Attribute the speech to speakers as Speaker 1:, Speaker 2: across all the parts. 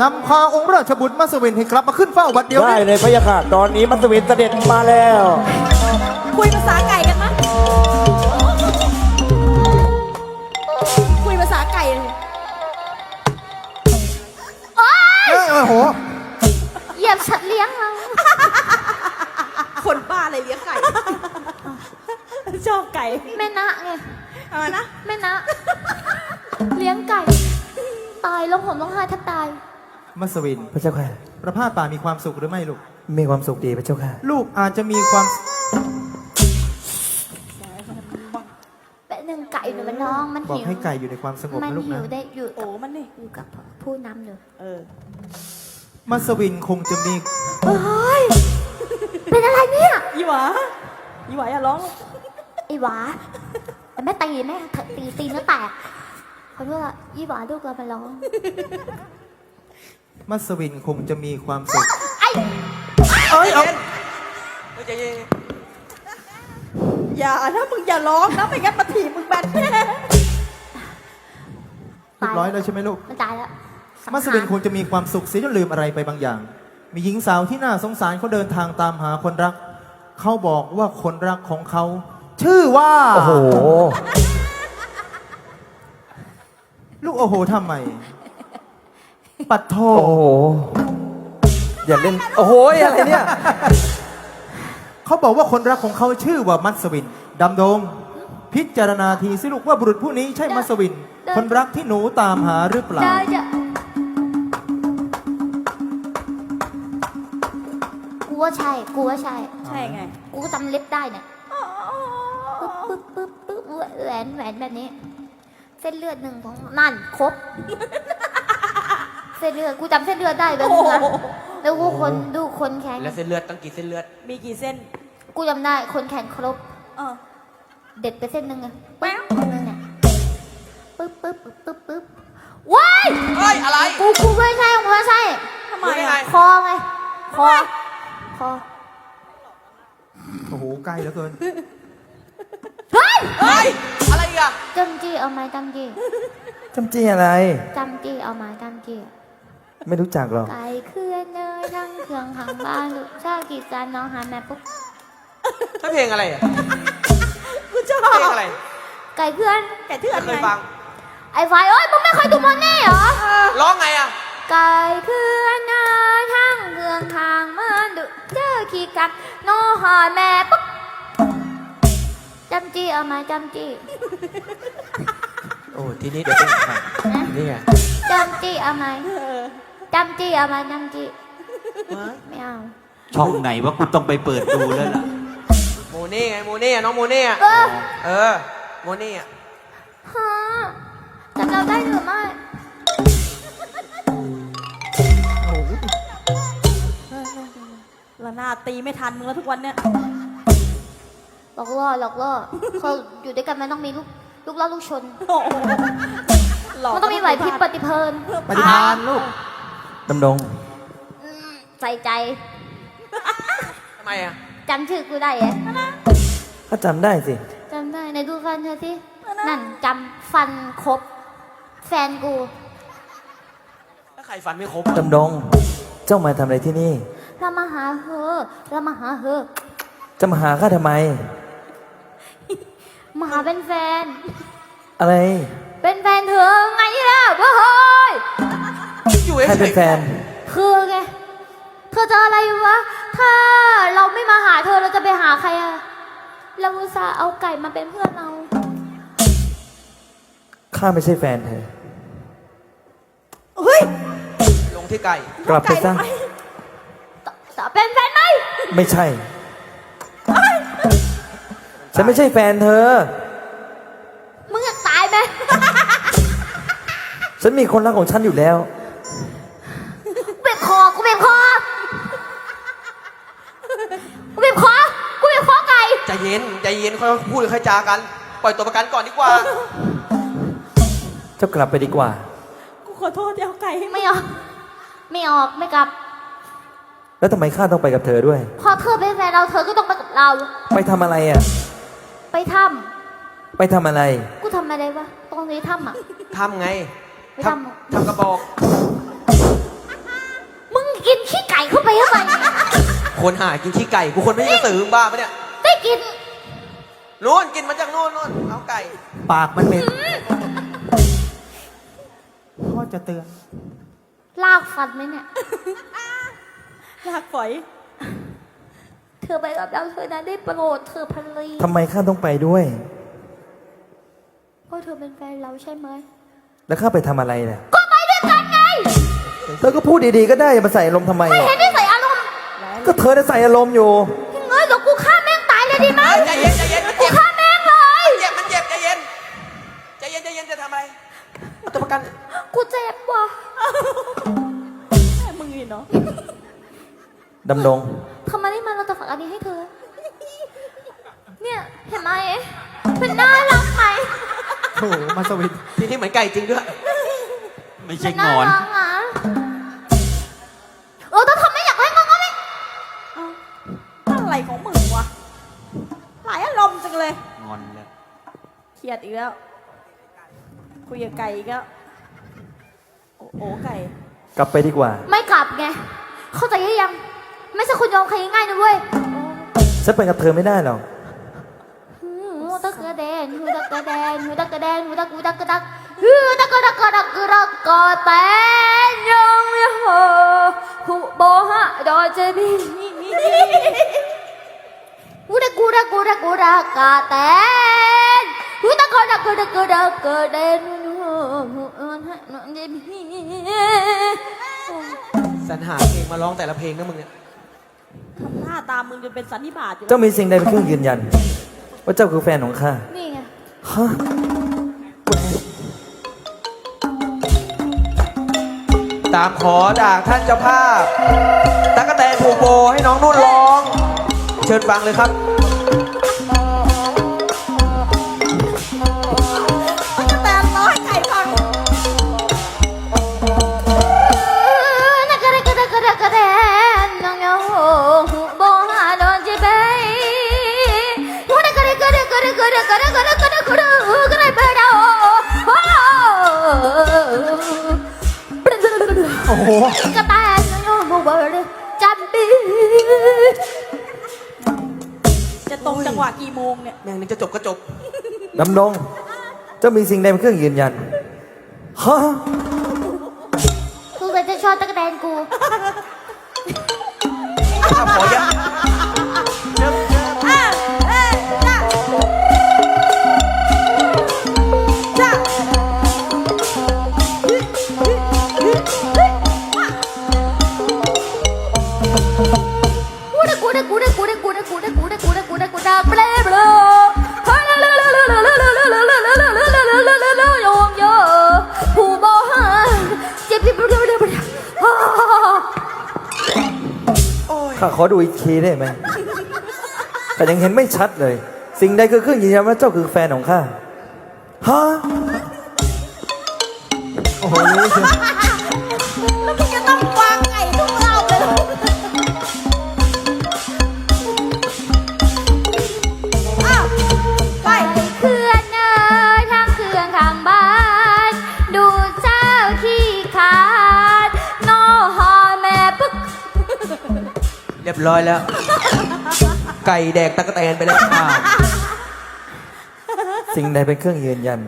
Speaker 1: นำพาองค์ราชบุตรมัสวินให้กลับมาขึ้นเฝ้าบัดเดียว
Speaker 2: ได้
Speaker 1: นี้
Speaker 2: เลยพะยะค่ะตอนนี้มัสวินเสด็จมาแล้ว
Speaker 3: คุยภาษาไก่กันมั้ยคุยภาษาไก่เลย
Speaker 1: โอ้โห
Speaker 4: เหยียบสัตว์เลี้ยงเรา
Speaker 3: คนบ้าอะไรเลี้ยงไก่ชอบไก่
Speaker 4: แม่นะไง
Speaker 3: อะไรนะ
Speaker 4: แม่นะ เลี้ยงไก่ ตายแล้วผมต้องหาแทบตาย
Speaker 1: มัสวิน
Speaker 2: พระเจ้าค่ะ
Speaker 1: ประพาสป่ามีความสุขหรือไม่ลูก
Speaker 2: มีความสุขดีพระเจ้าค่ะ
Speaker 1: ลูกอาจจะมีความ
Speaker 4: แปะหนึ่งไก่หนูมันร้องมัน
Speaker 1: บอก
Speaker 4: หิว
Speaker 1: ให้ไก่อยู่ในความสงบ
Speaker 4: มัน
Speaker 1: นะลูก
Speaker 4: หิ
Speaker 1: นะ
Speaker 4: วได้อยู่
Speaker 3: โอ้มันนี่
Speaker 4: อยู่กับผู้นำอยู่
Speaker 1: มัสวินคงจะมี
Speaker 4: เฮ้ยเป็นอะไรเนี่ย
Speaker 3: ยี่หวาอย่าร้อง
Speaker 4: ไอ้หวาแต่แม่ตีแม่ตีเนื้อแตกขอโทษอะยี่หวาลูกเรามาร้อง
Speaker 1: มัสวินคงจะมีความสุข
Speaker 4: ไอ้
Speaker 1: เอ้ยเอา
Speaker 3: อย่านะมึงอย่าร้องนะไม่งั้นมาถีบมึงแบนแน่
Speaker 1: เรียบร้อยแล้วใช่ไหมลูก
Speaker 4: มันตายแล้ว
Speaker 1: มัสวินคงจะมีความสุขเสียจนลืมอะไรไปบางอย่าง มีหญิงสาวที่น่าสงสารเขาเดินทางตามหาคนรัก เขาบอกว่าคนรักของเขา ชื่อว่า
Speaker 2: โอ้โห
Speaker 1: ลูกโอ้โหทำไม ปัดโท
Speaker 2: โอ้โหอย่าเล่นโอ้โหอะไรเนี่ย
Speaker 1: เขาบอกว่าคนรักของเขาชื่อว่ามัสวินดำดง พิจารณาทีสิลูกว่าบุรุษผู้นี้ใช่มัสวิน คนรักที่หนูตามหาหรือเปล่า
Speaker 4: ได้จ้ะกูว่าใช่
Speaker 3: ใช่ไง
Speaker 4: กูก็จำเล็บได้เนี่ยปึ๊บแหวนแบบนี้ เส้นเลือดหนึ่งของนั่นครบ เส้นเลือดกูจำเส้นเลือดได้เลยนะแล้วกูดูคนแขน
Speaker 5: แล้วเส้นเลือดตั้งกี่เส้นเลือด
Speaker 3: มีกี่เส้น
Speaker 4: กูจำได้คนแขนครบ
Speaker 3: เออ
Speaker 4: เด็ดไปเส้นหนึ่งอะปึ๊บเนี่ยปึ๊บว้าย
Speaker 5: เฮ้ย อะไร
Speaker 4: กูไม่ใช่
Speaker 3: ทำไม
Speaker 5: รู้ได้ไง
Speaker 3: อ่ะ
Speaker 4: คอไงคอ
Speaker 1: โอ้โหใกล้เหลือเกิน
Speaker 4: เฮ้ย
Speaker 5: เฮ้ย อะไรอีกอะ
Speaker 4: จำจี้เอาไหมจำจี้
Speaker 2: จำจี้อะไร
Speaker 4: จำจี้เอาไหมจำจี้
Speaker 2: ไม่รู้จักหรอก
Speaker 4: ไก่เคลื่อนเนยทั้งเครื่องหางบ้านลูกชากีจานน้องหาแม่ปุ๊บ
Speaker 5: ถ้าเพลงอะไรอะ
Speaker 3: กูชอบ
Speaker 5: เพลงอะไร
Speaker 4: ไก่เคลื่อน
Speaker 3: ไก่เถื่อน
Speaker 5: ไม่เค
Speaker 3: ไง
Speaker 5: ยฟัง
Speaker 4: ไอ้ไฟเอ้ยมึงไม่เคยดูมันนี่เหรอ
Speaker 5: ร้องไงอะ
Speaker 4: ไก่เคลื่อนเนยทั้งเครื่องหางบ้านลูกเจอขี้กัดน้องหาแม่ปุ๊บจำจี้เอาไหมจำจี้
Speaker 5: โอ้ทีนี้เดี๋ยวเป็นใครนี่ไง
Speaker 4: จำจี้เอาไหมจำจี้เอาไหมจำจี้ไม่เอา
Speaker 6: ช่องไหนว่ากูต้องไปเปิดดูแล้วล่ะ
Speaker 5: โมเน่ไงโมเน่อะน้องโมเน่อะ
Speaker 4: เออ
Speaker 5: เออ โมเน่อะ
Speaker 4: ฮะจำเราได้หรือไม่
Speaker 3: ละนาดตีไม่ทันมึงแล้วทุกวันเนี่ย
Speaker 4: หลอกล่อเขาอยู่ด้วยกันมันต้องมีลูกล่อลูกชน
Speaker 3: โอ้โหหลอก
Speaker 4: มันต้องมีไหวพริบปฏิเพลิน
Speaker 1: ปฏิภาณลูก
Speaker 2: ดำดง
Speaker 4: ใส่ใจ
Speaker 5: ทำไมอะ
Speaker 4: จำชื่อกูได้เหรอ
Speaker 2: ก็จำได้สิ
Speaker 4: จำได้ไหนดูฟันเธอสินั่นจำฟันครบ แฟนกู
Speaker 5: ถ้าใครฟันไม่ครบอะ
Speaker 2: ดำดง เจ้ามาทำอะไรที่นี่
Speaker 4: เรามาหาเธอ
Speaker 2: จะมาหาข้าทำไม
Speaker 4: มาหาเป็นแฟน
Speaker 2: อะไร
Speaker 4: เป็นแฟนเธอไงล่ะเฮ้ย
Speaker 5: อยู่
Speaker 2: ใคร
Speaker 5: เฉ
Speaker 2: เป็น
Speaker 5: ย
Speaker 2: แฟน
Speaker 4: คือไงเธอจะอะไรวะ ถ้าเราไม่มาหาเธอเราจะไปหาใครอะเราอุตส่าห์เอาไก่มาเป็นเพื่อนเรา
Speaker 2: ข้าไม่ใช่แฟนเธอ
Speaker 3: เฮ้ย
Speaker 5: ๆลงที่ไก่
Speaker 2: กลับไปซะ
Speaker 4: จะเป็นแฟนไหม
Speaker 2: ไม่ใช่ ฉันไม่ใช่แฟนเธอ
Speaker 4: มึงอยากตายไหม
Speaker 2: ฉันมีคนรักของฉันอยู่แล้ว
Speaker 4: กูบีบคอกูบีบคอไก่
Speaker 5: ใจเย็น ใจเย็นค่อยพูดค่อยจากัน ปล่อยตัวประกันก่อนดีกว่า
Speaker 2: เจ้ากลับไปดีกว่า
Speaker 3: กูขอโทษที่เอาไก่ให้มึง
Speaker 4: ไม่ออกไม่กลับ
Speaker 2: แล้วทำไมข้าต้องไปกับเธอด้วย
Speaker 4: พอเธอเป็นแฟนเราเธอก็ต้องไปกับเรา
Speaker 2: ไปทำอะไรอ่ะ
Speaker 4: ไปถ้
Speaker 2: ไปทำอะไร
Speaker 4: ำกูทำอะไรวะตรงนี้ถ้ำอ่ะ
Speaker 5: ทำไง
Speaker 4: ไม่ทำ
Speaker 5: ทำกระบอก
Speaker 2: คนหากินขี้ไก่กูคนไม่ใช่กระสือมึงบ้าปะเนี่ย
Speaker 4: ได้กิน
Speaker 2: นู่นกินมาจากนู่นเอาไก่
Speaker 1: ปากมันเหม็นพ่อจะเตือน
Speaker 4: ลากฟันไหมเนี่ย
Speaker 3: ลากฝอย
Speaker 4: เธอไปกับเราเธอนะได้โปรดเธอพันลี
Speaker 2: ทำไมข้าต้องไปด้วย
Speaker 4: เพราะเธอเป็นแฟนเราใช่ไหม
Speaker 2: แล้วข้าไปทำอะไรเนี่ย
Speaker 4: ก็ไปด้วยกันไง
Speaker 2: แล้วก็พูดดีๆก็ได้อย่ามาใส่อารมณ์ทำไม
Speaker 4: ไม่
Speaker 2: อะ
Speaker 4: เห็นได้ใส่อารมณ์
Speaker 2: ก็เธอได้ใส่อารมณ์อยู่
Speaker 4: ยังไงเดี๋ยวกูฆ่าแม่งตายเลยดีไหม
Speaker 2: ใจเย็นใจเย็นมัน
Speaker 4: กู
Speaker 2: เจ็บ
Speaker 4: ฆ่าแม่งเลย
Speaker 2: มันเจ็บใจเย็นใจเย็นใจเย็นจะทำอะไรเอาตัวประกัน
Speaker 4: กูเจ็บว่ะ
Speaker 3: แม่มึงนี่เนาะ
Speaker 2: ดำรง
Speaker 4: ทำไมได้มาเราจะฝากอันนี้ให้เธอ เนี่ยเห็นไหมมันน่ารักไหม
Speaker 1: โอ้โหมัสวิน
Speaker 2: ทีนี้เหมือนไก่จริงด้วย
Speaker 6: ไม่ใช่
Speaker 4: มัน
Speaker 6: ง
Speaker 4: น่า
Speaker 6: อน
Speaker 4: รักอ่ะถ้าทำไม่อยากให้งอนก็ไม่
Speaker 3: อะไรของมึงวะหลายอารมณ์จังเลย
Speaker 6: งอนแล้ว
Speaker 3: เครียดอีกแล้ว คุยกับไก่อีกแล้วโอ้ไก่
Speaker 2: กลับไปดีกว่า
Speaker 4: ไม่กลับไง เข้าใจยัง ไม่ใช่คุณยอมใครง่ายๆนะเว้ย
Speaker 2: ฉันไปกับเธอไม่ได้หรอก
Speaker 4: หูตะกระแดนหูตะกระแดนหูตะกระแดนหูตะกูตะกระดักหูตะกระดักกระดักกระดักกระแตนยังไม่เหอหูโบฮะดอเจบีหูตะกูตะกูตะกูตะกระแตนหูตะกระดักกระดักกระดักกระแดนหูฮะดอเจบี
Speaker 2: สรรหาเพลงมาร้องแต่ละเพลงนะมึงเนี่ย
Speaker 3: ทำหน้าตามมึงจนเป็นสันนิบาตอยู่แล้ว
Speaker 2: เจ้ามีสิ่งใดเป็นเครื่องยืนยัน ว่าเจ้าคือแฟนของข้า
Speaker 4: นี่ไง
Speaker 2: ฮะ ตามขอจากท่านเจ้าภาพตั๊กแตนผูกโบให้น้องนุ่นร้อง เชิญฟังเลยครับ
Speaker 3: มันจะแตนร้อยไก่ฟัง
Speaker 4: นักกระกระกระกระแดนน้องยาหูโบฮาดอนจีเบย์หูนักกระกระกระกระกระกระกระกระกระกระเบดาโอ้กระแตนน้องยาหูเบอร์จัมบี
Speaker 3: จะตรงจังหวะกี่โมงเนี่ย
Speaker 2: แม่งนึงจะจบก็จบ ดำดง เจ้ามีสิ่งใดเป็นเครื่องยืนยัน ฮะ
Speaker 4: กูก็จะชอบตะกระแดนกู
Speaker 2: ขอเยอะ
Speaker 4: กูได้กูได้กูได้กูได้กูได้กูได้กูได้กูได้กูได้กูได้เบลเบลโยงโยผู้บ่หาเจ็บที่เบลเบลเบล
Speaker 2: ข้าขอดูอีกทีได้ไหมแต่ยังเห็นไม่ชัดเลย สิ่งใดคือเครื่องยืนยันว่าเจ้าคือแฟนของข้า ฮะ
Speaker 1: โอ้โหรู้เชียว
Speaker 3: แล้วมึงจะต้องวางไก่ทุกรอบเลยเหรออ้าวไป
Speaker 4: เคลื่อนเอ่ยทางเครื่องข้างบ้าน ดูเจ้าขี้ขาดนอหอแม่ปึ๊ก
Speaker 2: เรียบร้อยแล้ว ไก่แดกตะกแตนไปแล้ว สิ่งใดเป็นเครื่องยืนยัน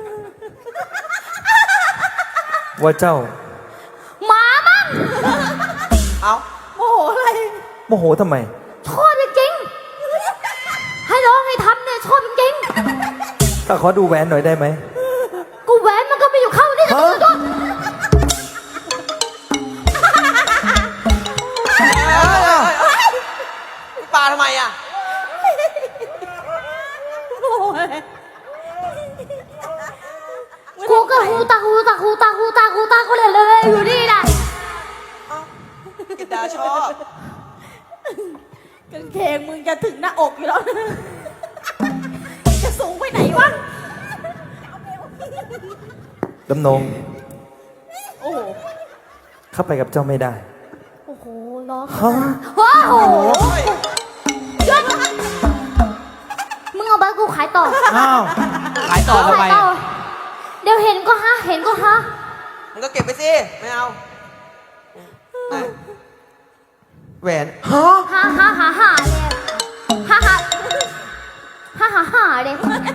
Speaker 2: ว่าเจ้า
Speaker 4: หมามั้ง
Speaker 2: เอา
Speaker 3: โมโหอะไร
Speaker 2: โมโหทำไม
Speaker 4: ชอบจริงๆให้ร้องให้ทำเนี่ยชอบจริง
Speaker 2: ข้าขอดูแหวนหน่อยได้ไหม
Speaker 4: ๆกูแหวนมันก็ไม่อยู่เข้านี่นะตัว
Speaker 2: ปาทำไมอ่ะ
Speaker 3: โมโหอะไร
Speaker 4: กูก็หูตากูเลยอยู่นี่นะ
Speaker 2: กินดาชอบ
Speaker 3: กางเกงมึงจะถึงหน้าอกอยู่แล้ว จะสูงไปไหนวะ
Speaker 2: ดำนง
Speaker 3: โอ้โห
Speaker 2: เข้าไปกับเจ้าไม่ได้
Speaker 4: โอ้โหร้อง
Speaker 2: ฮะ
Speaker 4: ว้าวหยุดมึงเอาไปกูขายต่อ
Speaker 1: อ้าว
Speaker 6: ขายต่อทำไม
Speaker 4: ขายต่อเดี๋ยวเห็นก็ฮะเห็นก็ฮะ
Speaker 2: มึงก็เก็บไปสิ ไม่เอา
Speaker 6: แหวนฮะ
Speaker 4: ฮ่าฮ่าฮ่าฮ่าเลยฮ่าฮ่าฮ่าฮ่าฮ่าเลย